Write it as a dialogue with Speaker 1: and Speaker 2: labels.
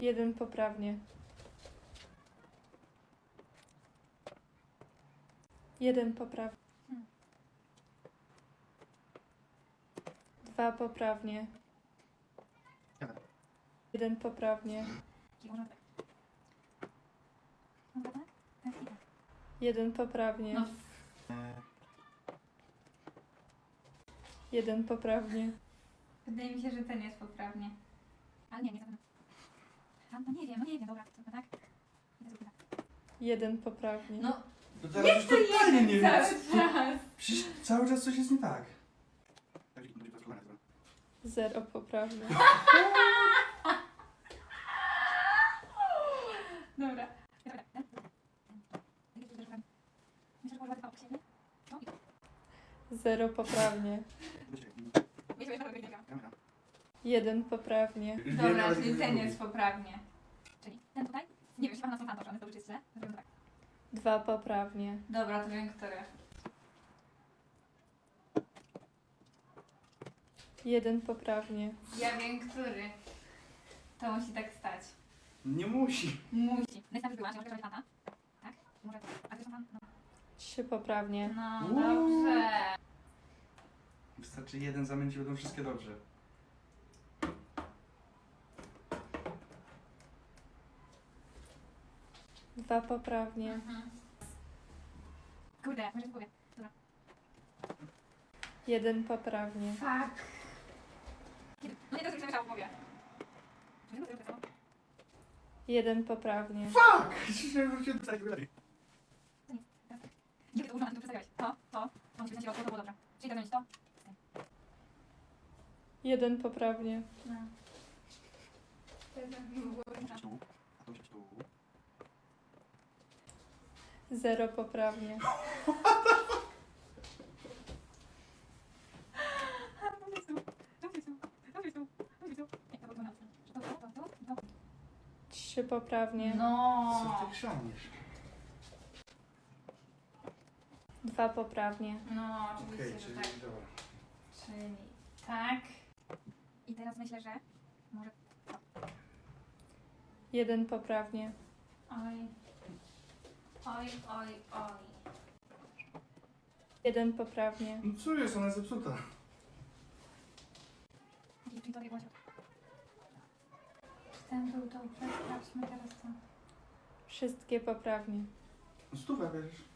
Speaker 1: 1 poprawnie. 1 poprawnie. 2 poprawnie. 1 poprawnie. 1 poprawnie.
Speaker 2: No.
Speaker 1: 1 poprawnie.
Speaker 2: Wydaje mi się, że ten jest poprawnie. Ale nie zapewne. No nie wiem, dobra, to tak?
Speaker 1: 1 poprawnie.
Speaker 2: No,
Speaker 3: To teraz już totalnie nie wiem.
Speaker 2: cały czas.
Speaker 3: Przecież cały czas coś jest nie tak.
Speaker 1: 0 poprawnie.
Speaker 2: Dobra.
Speaker 1: 0 poprawnie. 1 poprawnie.
Speaker 2: Dobra, czyli ten jest poprawnie. Czyli ten tutaj? Nie wiem, chyba na sam to czy jest źle?
Speaker 1: 2 poprawnie.
Speaker 2: Dobra, to wiem, który.
Speaker 1: 1 poprawnie.
Speaker 2: Ja wiem, który. To musi tak stać.
Speaker 3: Nie musi.
Speaker 2: Musi. Najpierw była, że może być tata. Tak? Może. A to jest pan? No.
Speaker 1: 3 poprawnie.
Speaker 2: No,
Speaker 3: Uuu.
Speaker 2: dobrze.
Speaker 3: Wystarczy jeden zamienić i będą wszystkie dobrze.
Speaker 1: Dwa poprawnie.
Speaker 2: Mhm. Kurde, może w głowie. Dobra.
Speaker 1: 1 poprawnie.
Speaker 2: Fuck. No nie, to już myślałam w głowie. Czy nie, to jest samo?
Speaker 1: 1 poprawnie.
Speaker 3: Fuck! Wróciłem do takiego lepiej.
Speaker 2: Gdzie ty to używasz, tu przedstawiałeś? To musi być na środku, to było dobrze. Czyli to będzie to?
Speaker 1: 1 poprawnie.
Speaker 2: No.
Speaker 3: Tu, a to się tu.
Speaker 1: 0 poprawnie. Trzy poprawnie.
Speaker 3: Co
Speaker 2: No.
Speaker 3: ty chrzaniesz?
Speaker 1: 2 poprawnie.
Speaker 2: No,
Speaker 3: Okej,
Speaker 2: oczywiście,
Speaker 3: czyli
Speaker 2: że tak.
Speaker 3: dobra.
Speaker 2: Czyli tak. I teraz myślę, że może...
Speaker 1: 1 poprawnie.
Speaker 2: Oj. Oj, oj, oj.
Speaker 1: 1 poprawnie.
Speaker 3: No co jest, ona jest zepsuta.
Speaker 2: Czyli to było środku. Ten był dobrze, sprawdźmy teraz co.
Speaker 1: Wszystkie poprawnie.
Speaker 3: No stówę bierzesz.